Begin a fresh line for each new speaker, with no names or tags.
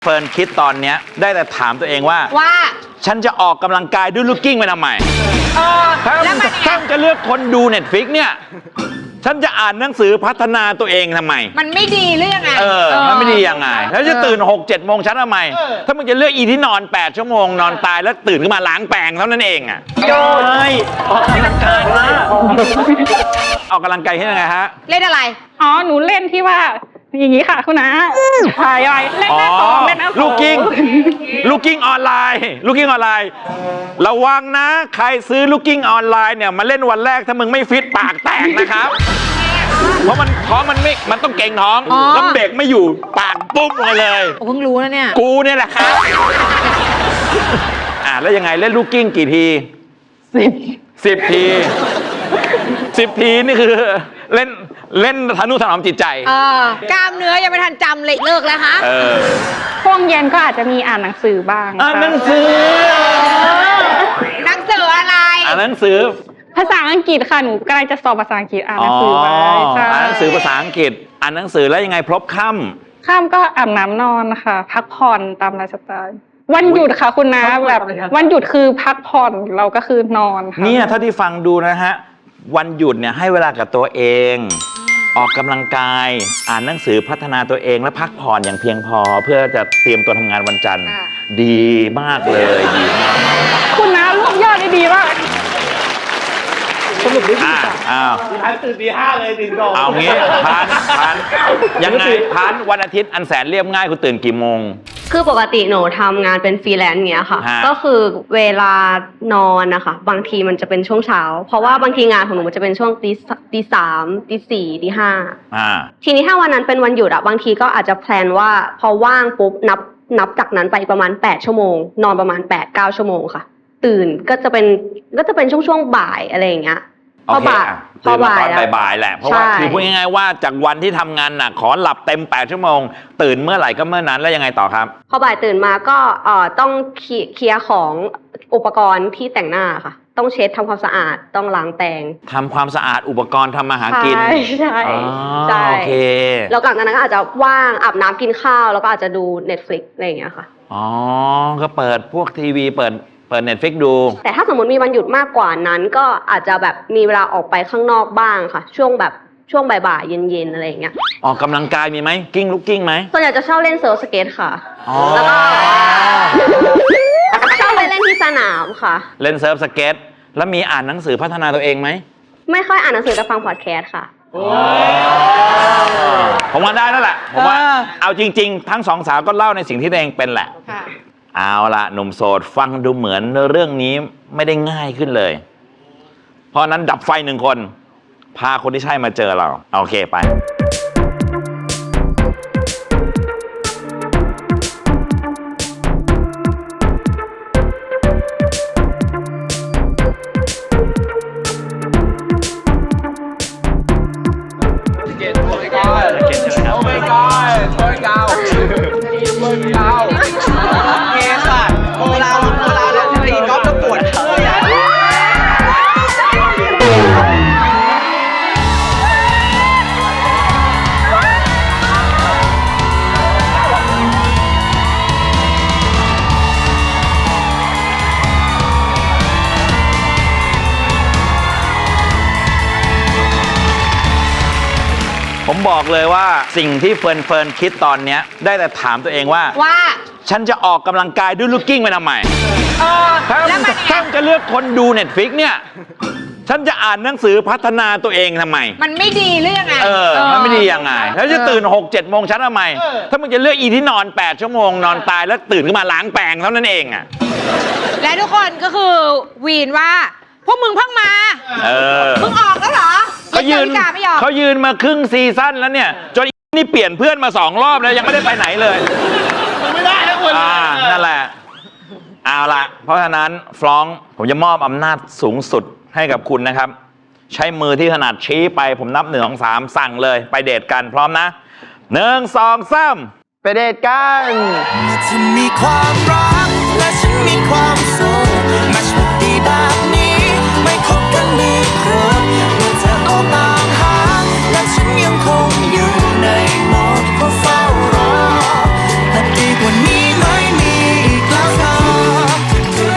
เฟิร์นคิดตอนเนี้ยได้แต่ถามตัวเองว่าฉันจะออกกำลังกายด้วยลูกกิ้งไปทำไมถ้าจะเลือกคนดูเน็ตฟลิกเนี่ยฉันจะอ่านหนังสือพัฒนาตัวเองทำไมมันไม่ดีหรือยังไงมันไม่ดียังไงแล้วจะตื่น 6-7 โมงฉันทำไมถ้ามึงจะเลือกอีที่นอน8 ชั่วโมงนอนตายแล้วตื่นขึ้นมาล้างแปรงเท่านั้นเองอ่ะโอ้ยออกกำลังกายนะออกกำลังกายที่ยังไงฮะ
เล่นอะไร
อ๋อหนูเล่นที่ว่าอย่างนี้ค่ะคุณน้าถ่ายไว้เล่นหน้าสองเล่นหน้าสอง
ลูกกิ้งออนไลน์ระวังนะใครซื้อลูกกิ้งออนไลน์เนี่ยมาเล่นวันแรกถ้ามึงไม่ฟิตปากแตกนะครับเพราะมันท้องมันต้องเก่งท้องแล้วเบรกไม่อยู่ปากปุ๊บเลย
เพิ่งรู้นะเนี่ย
กูเนี่ยแหละครับแล้วยังไงเล่นลูกกิ้งกี่ที10 ที10 ทีนี่คือเล่นทนุถนอมจิตใจ
กล้ามเนื้อยังไม่ทันจำเลยเลิกแล้วฮะ
ช่วงเย็นก็อาจจะมีอ่านหนังสือบ้าง
หนังสือ
อะไร
หนังสือ
ภาษาอังกฤษค่ะหนูใกล้จะสอบภาษาอังกฤษอ่านหนังสือไว้
อ่านหนังสือภาษาอังกฤษอ่านหนังสือแล้วยังไงพลบค่
ำก็อาบน้ำนอนค่ะพักผ่อนตามไลฟ์สไตล์วันหยุดค่ะคุณน้าแบบวันหยุดคือพักผ่อนเราก็คือนอนค่ะ
เนี่ยถ้าที่ฟังดูนะฮะวันหยุดเนี่ยให้เวลากับตัวเองออกกำลังกายอ่านหนังสือพัฒนาตัวเองและพักผ่อนอย่างเพียงพอเพื่อจะเตรียมตัวทำงานวันจันทร์ดีมากเลยดีมาก
คุณน้ารวบยอดได้ดีมาก
สรุปได้ดี
พันตื่นตี 5เลยตื่นก่อน
เอางี้พันยังไงพันวันอาทิตย์อันแสนเรียบง่ายคุณตื่นกี่โมง
คือปกติหนูทำงานเป็นฟรีแลนซ์เงี้ยค่ะก็คือเวลานอนนะคะบางทีมันจะเป็นช่วงเช้าเพราะว่าบางทีงานของหนูมันจะเป็นช่วงตี 3 ตี 4 ตี 5ทีนี้ถ้าวันนั้นเป็นวันหยุดบางทีก็อาจจะแพลนว่าพอว่างปุ๊บนับจากนั้นไปประมาณ8 ชั่วโมงนอนประมาณ 8-9 ชั่วโมงค่ะตื่นก็จะเป็นช่วงบ่ายอะไรอย่างเงี้ย
พอบ่ายแหละเพราะว่าคือพูดง่ายๆว่าจากวันที่ทำงานหนักขอหลับเต็ม8 ชั่วโมงตื่นเมื่อไหร่ก็เมื่อนั้นแล้วยังไงต่อครับ
พอบ่ายตื่นมาก็ต้องเคลียร์ของอุปกรณ์ที่แต่งหน้าค่ะต้องเช็ดทำความสะอาดต้องล้างแปรง
ทำความสะอาดอุปกรณ์ทำอาหารกิน
ใช่โอเคแล้วหลังจากนั้นก็อาจจะว่างอาบน้ำกินข้าวแล้วก็อาจจะดู Netflix อะไรอย่างเงี้ยค่ะ
ก็เปิดพวกทีวีเปิดNetflix ดู
แต่ถ้าสมมติมีวันหยุดมากกว่านั้นก็อาจจะแบบมีเวลาออกไปข้างนอกบ้างค่ะช่วงบ่ายๆเย็นๆอะไรอย่างเงี้ย
ออกกำลังกายมีไหมกิ้งลูกกิ้งไหม
ส่วนใหญ่จะชอบเล่นเซิร์ฟสเก็ตค่ะแล้วก็ชอบไปเล่นที่สนามค่ะ
เล่นเซิร์ฟสเก็ตแล้วมีอ่านหนังสือพัฒนาตัวเองไหม
ไม่ค่อยอ่านหนังสือแต่ฟังพอดแคสต์ค่ะ
ผมว่าได้แล้วแหละผมว่าเอาจริงๆทั้งสองสาวก็เล่าในสิ่งที่ตัวเองเป็นแหละเอาละหนุ่มโสดฟังดูเหมือนเรื่องนี้ไม่ได้ง่ายขึ้นเลยเพราะนั้นดับไฟ1 คนพาคนที่ใช่มาเจอเราโอเคไปผมบอกเลยว่าสิ่งที่เฟิร์นคิดตอนเนี้ยได้แต่ถามตัวเองว่าฉันจะออกกำลังกายด้วยลูกกิ้งไปทำไมถ้าจะเลือกคนดู Netflix เนี่ยฉันจะอ่านหนังสือพัฒนาตัวเองทำไม
มันไม่ดีหรือยังไง
มันไม่ดียังไงแล้วจะตื่น 6-7 โมงฉันทำไมถ้ามึงจะเลือกอีที่นอน8 ชั่วโมงนอนตายแล้วตื่นขึ้นมาล้างแปรงเท่านั้นเอง
และทุกคนก็คือวีนว่าพวกมึงเพิ่งมามึงออกแล้วเหรอ
เขายืนมาครึ่งซีซั่นแล้วเนี่ยจนนี่เปลี่ยนเพื่อนมา2 รอบแล้วยังไม่ได้ไปไหนเลย
ไม่ได้นะคุณ
นั่นแหละเอาละเพราะฉะนั้นฟรองก์ผมจะมอบอำนาจสูงสุดให้กับคุณนะครับใช้มือที่ถนัดชี้ไปผมนับ1 2 3สั่งเลยไปเดทกันพร้อมนะ1 2 3
ไปเดทกัน
เธอมีความรักและฉันมีความ